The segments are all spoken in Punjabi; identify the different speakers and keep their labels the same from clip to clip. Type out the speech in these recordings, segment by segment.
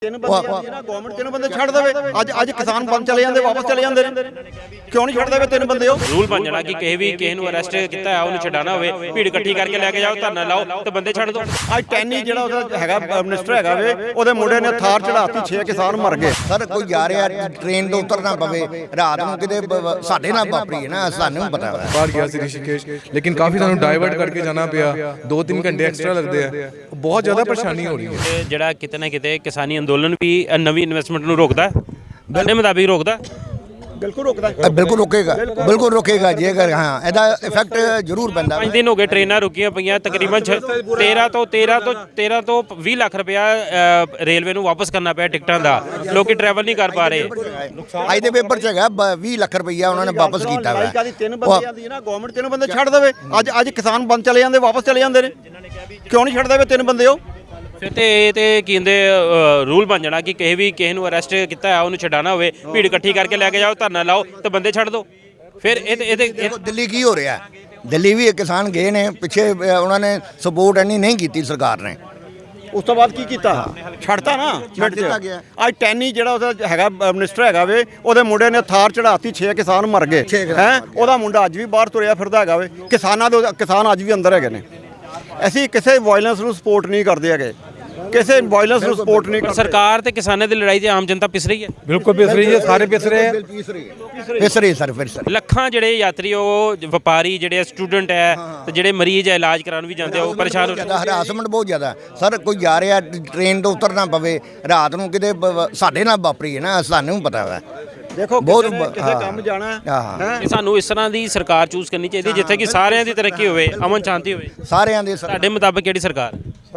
Speaker 1: ਤਿੰਨ ਬੰਦੇ ਆਂਦੀ ਨਾ ਗਵਰਨਮੈਂਟ ਤਿੰਨ ਬੰਦੇ ਛੱਡ ਦੇਵੇ। ਅੱਜ ਕਿਸਾਨ ਬੰਦ ਚਲੇ ਜਾਂਦੇ, ਵਾਪਸ ਚਲੇ ਜਾਂਦੇ ਨੇ, ਕਿਉਂ ਨਹੀਂ ਛੱਡ ਦੇਵੇ ਤਿੰਨ ਬੰਦੇ? ਉਹ
Speaker 2: ਰੂਲ ਬਣ ਜਾਣਾ ਕਿ ਕਿਸੇ ਨੂੰ ਅਰੈਸਟ ਕੀਤਾ ਹੈ ਉਹਨੂੰ ਛਡਾਣਾ ਹੋਵੇ, ਭੀੜ ਇਕੱਠੀ ਕਰਕੇ ਲੈ ਕੇ ਜਾਓ, ਧਰਨਾ ਲਾਓ ਤੇ ਬੰਦੇ ਛੱਡ ਦਿਓ।
Speaker 1: ਅੱਜ ਟੈਨੀ ਜਿਹੜਾ ਉਹਦਾ ਹੈਗਾ ਮਿਨਿਸਟਰ ਹੈਗਾ ਵੇ, ਉਹਦੇ ਮੁੰਡੇ ਨੇ ਥਾਰ ਚੜਾਤੀ, 6 ਕਿਸਾਨ ਮਰ ਗਏ।
Speaker 3: ਸਰ ਕੋਈ ਜਾ ਰਿਹਾ ਟ੍ਰੇਨ ਤੋਂ ਉਤਰਨਾ ਪਵੇ ਰਾਤ ਨੂੰ ਕਿਤੇ ਸਾਡੇ ਨਾਲ ਵਾਪਰੀ ਹੈ ਨਾ, ਸਾਨੂੰ ਪਤਾ ਹੈ।
Speaker 4: ਬਾਹਰ ਗਿਆ ਸੀ ਰਿਸ਼ੀਕੇਸ਼, ਲੇਕਿਨ ਕਾਫੀ ਸਾਨੂੰ ਡਾਇਵਰਟ ਕਰਕੇ ਜਾਣਾ ਪਿਆ, 2-3 ਘੰਟੇ ਐਕਸਟਰਾ ਲੱਗਦੇ ਆ, ਬਹੁਤ ਜ਼ਿਆਦਾ ਪਰੇਸ਼ਾਨੀ ਹੋ ਰਹੀ ਹੈ।
Speaker 2: ਜਿਹੜਾ ਕਿਤੇ ਨਾ ਕਿਤੇ ਕਿਸਾਨੀ ਅੰਦੋਲਨ ਵੀ ਨਵੀਂ ਇਨਵੈਸਟਮੈਂਟ ਨੂੰ ਰੋਕਦਾ, ਤੁਹਾਡੇ ਮੁਤਾਬਿਕ ਰੋਕਦਾ?
Speaker 1: ਬਿਲਕੁਲ ਰੁਕਦਾ,
Speaker 3: ਬਿਲਕੁਲ ਰੁਕੇਗਾ, ਬਿਲਕੁਲ ਰੁਕੇਗਾ। ਜੇਕਰ ਹਾਂ ਇਹਦਾ ਇਫੈਕਟ ਜ਼ਰੂਰ ਪੈਂਦਾ।
Speaker 2: 5 ਦਿਨ ਹੋ ਗਏ ਟ੍ਰੇਨਾਂ ਰੁਕੀਆਂ ਪਈਆਂ, ਤਕਰੀਬਨ 13 ਤੋਂ 20 ਲੱਖ ਰੁਪਇਆ ਰੇਲਵੇ ਨੂੰ ਵਾਪਸ ਕਰਨਾ ਪਿਆ ਟਿਕਟਾਂ ਦਾ, ਲੋਕੀ ਟਰੈਵਲ ਨਹੀਂ ਕਰ ਪਾ ਰਹੇ।
Speaker 3: ਅੱਜ ਦੇ ਪੇਪਰ 'ਚ ਹੈਗਾ 20 ਲੱਖ ਰੁਪਈਆ ਉਹਨਾਂ ਨੇ ਵਾਪਸ ਕੀਤਾ ਵਾ।
Speaker 1: ਤਿੰਨ ਬੰਦੇ ਆਂਦੀ ਨਾ ਗਵਰਨਮੈਂਟ ਤਿੰਨ ਬੰਦੇ ਛੱਡ ਦੇਵੇ। ਅੱਜ ਕਿਸਾਨ ਬੰਦ ਚਲੇ ਜਾਂਦੇ, ਵਾਪਸ ਚਲੇ ਜਾਂਦੇ ਨੇ, ਕਿਉਂ ਨਹੀਂ ਛੱਡ ਦੇਵੇ ਤਿੰਨ ਬੰਦੇ? ਉਹ
Speaker 2: ਫਿਰ ਤੇ ਕਹਿੰਦੇ ਰੂਲ ਬਣ ਜਾਣਾ ਕਿ ਕਿਸੇ ਨੂੰ ਅਰੈਸਟ ਕੀਤਾ ਹੈ ਉਹਨੂੰ ਛਡਾਣਾ ਹੋਵੇ, ਭੀੜ ਇਕੱਠੀ ਕਰਕੇ ਲੈ ਕੇ ਜਾਓ, ਧਰਨਾ ਲਾਓ ਤੇ ਬੰਦੇ ਛੱਡ ਦਿਓ। ਫਿਰ ਇਹਦੇ
Speaker 3: ਦਿੱਲੀ ਕੀ ਹੋ ਰਿਹਾ? ਦਿੱਲੀ ਵੀ ਕਿਸਾਨ ਗਏ ਨੇ ਪਿੱਛੇ, ਉਹਨਾਂ ਨੇ ਸਪੋਰਟ ਇੰਨੀ ਨਹੀਂ ਕੀਤੀ ਸਰਕਾਰ ਨੇ।
Speaker 1: ਉਸ ਤੋਂ ਬਾਅਦ ਕੀ ਕੀਤਾ? ਛੱਡਤਾ ਨਾ,
Speaker 3: ਛੱਡ ਦਿੱਤਾ ਗਿਆ।
Speaker 1: ਅੱਜ ਟੈਨੀ ਜਿਹੜਾ ਉਹਦਾ ਹੈਗਾ ਮਿਨਿਸਟਰ ਹੈਗਾ ਵੇ, ਉਹਦੇ ਮੁੰਡੇ ਨੇ ਥਾਰ ਚੜਾਤੀ, 6 ਕਿਸਾਨ ਮਰ ਗਏ ਹੈ। ਉਹਦਾ ਮੁੰਡਾ ਅੱਜ ਵੀ ਬਾਹਰ ਤੁਰਿਆ ਫਿਰਦਾ ਹੈਗਾ ਵੇ। ਕਿਸਾਨ ਅੱਜ ਵੀ ਅੰਦਰ ਹੈਗੇ ਨੇ। ਅਸੀਂ ਕਿਸੇ ਵਾਇਲੈਂਸ ਨੂੰ ਸਪੋਰਟ ਨਹੀਂ ਕਰਦੇ ਹੈਗੇ, ਕਿਸੇ ਵਾਇਲੈਂਸ ਨੂੰ ਸਪੋਰਟ ਨਹੀਂ ਕਰਦੇ।
Speaker 2: ਸਰਕਾਰ ਤੇ ਕਿਸਾਨਾਂ ਦੀ ਲੜਾਈ 'ਚ ਆਮ ਜਨਤਾ ਪਿਸ ਰਹੀ ਹੈ।
Speaker 4: ਬਿਲਕੁਲ ਪਿਸ ਰਹੀ ਹੈ, ਸਾਰੇ ਪਿਸ ਰਹੇ ਆ।
Speaker 3: ਪਿਸ ਰਹੀ ਸਰ, ਫਿਰ ਸਰ
Speaker 2: ਲੱਖਾਂ ਜਿਹੜੇ ਯਾਤਰੀ, ਉਹ ਵਪਾਰੀ, ਜਿਹੜੇ ਸਟੂਡੈਂਟ ਹੈ ਤੇ ਜਿਹੜੇ ਮਰੀਜ਼ ਹੈ, ਇਲਾਜ ਕਰਾਉਣ ਵੀ ਜਾਂਦੇ, ਉਹ ਪਰੇਸ਼ਾਨ ਹੋ ਰਹੇ।
Speaker 3: ਹਰਾਸਮੈਂਟ ਬਹੁਤ ਜ਼ਿਆਦਾ ਸਰ। ਕੋਈ ਜਾ ਰਿਹਾ ਟ੍ਰੇਨ ਤੋਂ ਉਤਰਨਾ ਪਵੇ ਰਾਤ ਨੂੰ ਕਿਤੇ ਸਾਡੇ ਨਾਲ ਵਾਪਰੀ ਹੈ ਨਾ, ਸਾਨੂੰ ਪਤਾ ਹੈ।
Speaker 1: ਦੇਖੋ
Speaker 3: ਬਹੁਤ
Speaker 1: ਕਿਸੇ ਕੰਮ ਜਾਣਾ
Speaker 2: ਹੈ। ਸਾਨੂੰ ਇਸ ਤਰ੍ਹਾਂ ਦੀ ਸਰਕਾਰ ਚੂਜ਼ ਕਰਨੀ ਚਾਹੀਦੀ ਜਿੱਥੇ ਕਿ ਸਾਰਿਆਂ ਦੀ ਤਰੱਕੀ ਹੋਵੇ, ਅਮਨ ਸ਼ਾਂਤੀ ਹੋਵੇ।
Speaker 3: ਸਾਰਿਆਂ ਦੇ
Speaker 2: ਤੁਹਾਡੇ ਮੁਤਾਬਕ ਕਿਹੜੀ ਸਰਕਾਰ?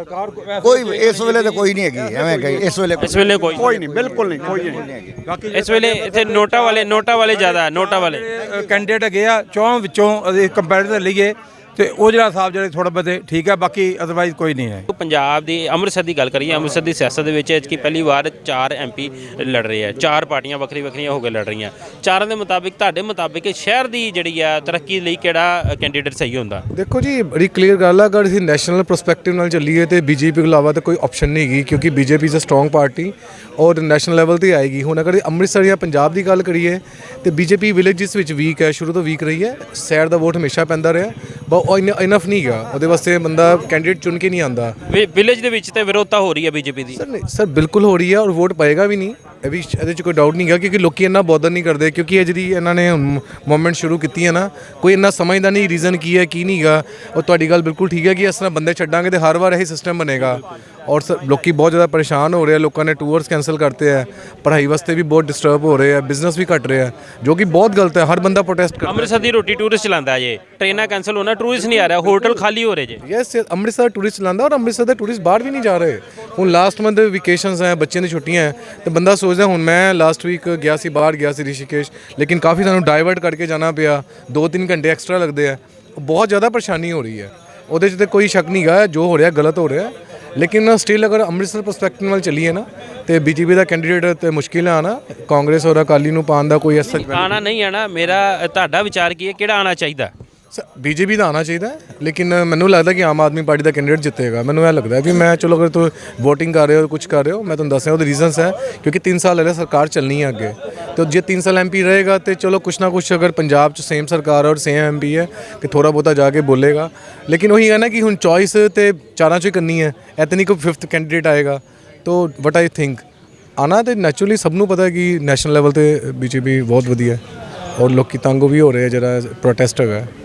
Speaker 3: ਕੋਈ ਇਸ ਵੇਲੇ ਤਾਂ ਕੋਈ ਨਹੀਂ ਹੈਗੀ, ਐਵੇਂ ਕਹੀ ਇਸ ਵੇਲੇ
Speaker 1: ਕੋਈ ਨਹੀਂ, ਬਿਲਕੁਲ ਨਹੀਂ, ਕੋਈ ਨਹੀਂ।
Speaker 2: ਇਸ ਵੇਲੇ ਇੱਥੇ ਨੋਟਾਂ ਵਾਲੇ ਜ਼ਿਆਦਾ, ਨੋਟਾਂ ਵਾਲੇ
Speaker 5: ਕੈਂਡੀਡੇਟ ਹੈਗੇ ਆ। 4 ਵਿੱਚੋਂ ਅਸੀਂ ਕੰਪੈਰੀਜ਼ਨ ਲਈਏ ਤੇ ਉਹ ਜਿਹੜਾ ਸਾਹਿਬ ਜਿਹੜੇ ਥੋੜਾ ਬਹੁਤੇ ਠੀਕ ਹੈ, ਬਾਕੀ ਅਦਰਵਾਈਜ਼ ਕੋਈ ਨਹੀਂ ਹੈ।
Speaker 2: ਪੰਜਾਬ ਦੀ ਅੰਮ੍ਰਿਤਸਰ ਦੀ ਗੱਲ ਕਰੀਏ, ਅੰਮ੍ਰਿਤਸਰ ਦੀ ਸਿਆਸਤ ਦੇ ਵਿੱਚ ਕਿ ਪਹਿਲੀ ਵਾਰ 4 MP ਲੜ ਰਹੇ ਆ, 4 ਪਾਰਟੀਆਂ ਵੱਖਰੀਆਂ ਹੋ ਕੇ ਲੜ ਰਹੀਆਂ। ਚਾਰਾਂ ਦੇ ਮੁਤਾਬਿਕ, ਤੁਹਾਡੇ ਮੁਤਾਬਿਕ ਸ਼ਹਿਰ ਦੀ ਜਿਹੜੀ ਆ ਤਰੱਕੀ ਲਈ ਕਿਹੜਾ ਕੈਂਡੀਡੇਟ ਸਹੀ ਹੁੰਦਾ?
Speaker 4: ਦੇਖੋ ਜੀ, ਬੜੀ ਕਲੀਅਰ ਗੱਲ ਆ, ਅਗਰ ਅਸੀਂ ਨੈਸ਼ਨਲ ਪਰਸਪੈਕਟਿਵ ਨਾਲ ਚੱਲੀਏ ਤੇ ਬੀਜੇਪੀ ਤੋਂ ਇਲਾਵਾ ਤਾਂ ਕੋਈ ਆਪਸ਼ਨ ਨਹੀਂ ਹੈਗੀ, ਕਿਉਂਕਿ BJP is a strong party ਔਰ ਨੈਸ਼ਨਲ ਲੈਵਲ ਤੇ ਆਏਗੀ। ਹੁਣ ਅਗਰ ਅੰਮ੍ਰਿਤਸਰ ਜਾਂ ਪੰਜਾਬ ਦੀ ਗੱਲ ਕਰੀਏ ਤੇ ਬੀਜੇਪੀ ਵਿਲੇਜਸ ਵਿੱਚ ਵੀਕ ਹੈ, ਸ਼ੁਰੂ ਤੋਂ ਵੀਕ ਰਹੀ ਹੈ। ਸ਼ਹਿਰ ਦਾ ਵੋਟ ਹਮੇਸ਼ਾ ਪੈਂਦਾ ਰਿਹਾ, ਬਟ ਉਹ ਇਨਫ ਨਹੀਂ ਗਾ, ਉਹਦੇ ਵਾਸਤੇ ਬੰਦਾ ਕੈਂਡੀਡੇਟ ਚੁਣ ਕੇ ਨਹੀਂ ਆਉਂਦਾ।
Speaker 2: ਵਿਲੇਜ ਦੇ ਵਿੱਚ ਤੇ ਵਿਰੋਧਤਾ ਹੋ ਰਹੀ ਹੈ ਬੀਜੇਪੀ ਦੀ।
Speaker 4: ਸਰ ਬਿਲਕੁਲ ਹੋ ਰਹੀ ਹੈ, ਔਰ ਵੋਟ ਪਏਗਾ ਵੀ ਨਹੀਂ, ਇਹਦੇ 'ਚ ਕੋਈ ਡਾਊਟ ਨਹੀਂ ਗਾ, ਕਿਉਂਕਿ ਲੋਕੀ ਇੰਨਾ ਬੋਦਰ ਨਹੀਂ ਕਰਦੇ। ਕਿਉਂਕਿ ਇਹ ਜਿਹੜੀ ਇਹਨਾਂ ਨੇ ਮੂਵਮੈਂਟ ਸ਼ੁਰੂ ਕੀਤੀ ਹੈ ਨਾ, ਕੋਈ ਇੰਨਾ ਸਮਝਦਾ ਨਹੀਂ ਰੀਜ਼ਨ ਕੀ ਹੈ ਕੀ ਨਹੀਂ ਗਾ। ਉਹ ਤੁਹਾਡੀ ਗੱਲ ਬਿਲਕੁਲ ਠੀਕ ਹੈ ਕਿ ਇਸ ਤਰ੍ਹਾਂ ਬੰਦੇ ਛੱਡਾਂਗੇ ਤੇ ਹਰ ਵਾਰ ਇਹੀ ਸਿਸਟਮ ਬਣੇਗਾ। ਔਰ ਲੋਕੀ ਬਹੁਤ ਜ਼ਿਆਦਾ ਪਰੇਸ਼ਾਨ ਹੋ ਰਹੇ ਆ, ਲੋਕਾਂ ਨੇ ਟੂਰਸ ਕੈਂਸਲ ਕਰਤੇ ਹੈ, ਪੜ੍ਹਾਈ ਵਾਸਤੇ ਵੀ ਬਹੁਤ ਡਿਸਟਰਬ ਹੋ ਰਹੇ ਆ, ਬਿਜ਼ਨਸ ਵੀ ਘਟ ਰਿਹਾ, ਜੋ ਕਿ ਬਹੁਤ ਗਲਤ ਹੈ। ਹਰ ਬੰਦਾ ਪ੍ਰੋਟੈਸਟ ਕਰਦਾ।
Speaker 2: ਅੰਮ੍ਰਿਤਸਰ ਦੀ ਰੋਟੀ ਟੂਰਿਸਟ ਚਲਾਉਂਦਾ ਜੇ, ਟ੍ਰੇਨਾਂ ਕੈਂਸਲ ਹੋਣਾ, ਟੂਰਿਸਟ ਨਹੀਂ ਆ ਰਿਹਾ, ਹੋਟਲ ਖਾਲੀ ਹੋ ਰਹੇ ਜੇ।
Speaker 4: ਯੈਸ, ਅੰਮ੍ਰਿਤਸਰ ਟੂਰਿਸਟ ਚਲਾਉਂਦਾ, ਔਰ ਅੰਮ੍ਰਿਤਸਰ ਦੇ ਟੂਰਿਸਟ ਬਾਹਰ ਵੀ ਨਹੀਂ ਜਾ ਰਹੇ। ਹੁਣ ਲਾਸਟ ਮੰਥ ਵਿਕੇਸ਼ਨਸ ਹੈ, ਬੱਚਿਆਂ ਦੀ ਛੁੱਟੀਆਂ ਹੈ, ਤੇ ਬੰਦਾ ਸੋਚਦਾ, ਹੁਣ ਮੈਂ ਲਾਸਟ ਵੀਕ ਗਿਆ ਸੀ, ਬਾਹਰ ਗਿਆ ਸੀ ਰਿਸ਼ੀਕੇਸ਼, ਲੇਕਿਨ ਕਾਫੀ ਸਾਨੂੰ ਡਾਇਵਰਟ ਕਰਕੇ ਜਾਣਾ ਪਿਆ, 2-3 ਘੰਟੇ ਐਕਸਟਰਾ ਲੱਗਦੇ ਆ, ਬਹੁਤ ਜ਼ਿਆਦਾ ਪਰੇਸ਼ਾਨੀ ਹੋ ਰਹੀ ਹੈ। ਉਹਦੇ 'ਚ ਤਾਂ ਕੋਈ ਸ਼ੱਕ ਨਹੀਂ ਗਾ, ਜੋ ਹੋ ਰਿਹਾ ਗਲਤ ਹੋ ਰਿਹਾ, ਲੇਕਿਨ ਸਟਿਲ ਅਗਰ ਅੰਮ੍ਰਿਤਸਰ ਪਰਸਪੈਕਟਿਵ ਨਾਲ ਚੱਲੀਏ ਨਾ ਤੇ ਬੀਜੇਪੀ ਦਾ ਕੈਂਡੀਡੇਟ ਤੇ ਮੁਸ਼ਕਿਲ ਹੈ ਆਣਾ। ਕਾਂਗਰਸ ਔਰ ਅਕਾਲੀ ਨੂੰ ਪਾਉਣ ਦਾ ਕੋਈ ਐਸਾ
Speaker 2: ਆਣਾ ਨਹੀਂ ਆਣਾ। ਤੁਹਾਡਾ ਵਿਚਾਰ ਕੀ ਹੈ, ਕਿਹੜਾ ਆਣਾ ਚਾਹੀਦਾ?
Speaker 4: ਬੀਜੇਪੀ ਦਾ ਆਉਣਾ ਚਾਹੀਦਾ, ਲੇਕਿਨ ਮੈਨੂੰ ਲੱਗਦਾ ਕਿ ਆਮ ਆਦਮੀ ਪਾਰਟੀ ਦਾ ਕੈਂਡੀਡੇਟ ਜਿੱਤੇਗਾ। ਮੈਨੂੰ ਇਹ ਲੱਗਦਾ ਵੀ ਮੈਂ ਚਲੋ, ਅਗਰ ਤੁਸੀਂ ਵੋਟਿੰਗ ਕਰ ਰਹੇ ਹੋ, ਕੁਝ ਕਰ ਰਹੇ ਹੋ, ਮੈਂ ਤੁਹਾਨੂੰ ਦੱਸਿਆ ਉਹਦੇ ਰੀਜ਼ਨਸ ਹੈ, ਕਿਉਂਕਿ 3 ਸਾਲ ਹਲੇ ਸਰਕਾਰ ਚੱਲਣੀ ਹੈ ਅੱਗੇ, ਤੇ ਜੇ 3 ਸਾਲ MP ਰਹੇਗਾ ਤੇ ਚਲੋ ਕੁਛ ਨਾ ਕੁਛ, ਅਗਰ ਪੰਜਾਬ 'ਚ ਸੇਮ ਸਰਕਾਰ ਔਰ ਸੇਮ MP ਹੈ ਕਿ ਥੋੜ੍ਹਾ ਬਹੁਤਾ ਜਾ ਕੇ ਬੋਲੇਗਾ। ਲੇਕਿਨ ਉਹੀ ਹੈ ਨਾ ਕਿ ਹੁਣ ਚੋਇਸ ਤੇ 4 'ਚੋਂ ਹੀ ਕਰਨੀ ਹੈ, ਇੱਥੇ ਨਹੀਂ ਕੋਈ 5th ਕੈਂਡੀਡੇਟ ਆਏਗਾ। ਤੋ ਵਟ ਆਈ ਥਿੰਕ ਆਣਾ ਤੇ ਨੈਚੁਰਲੀ ਸਭ ਨੂੰ ਪਤਾ ਕਿ ਨੈਸ਼ਨਲ ਲੈਵਲ ਤੇ BJP ਬਹੁਤ ਵਧੀਆ, ਔਰ ਲੋਕੀ ਤੰਗ ਵੀ ਹੋ ਰਹੇ, ਜਿਹੜਾ ਪ੍ਰੋਟੈਸਟ ਹੈਗਾ।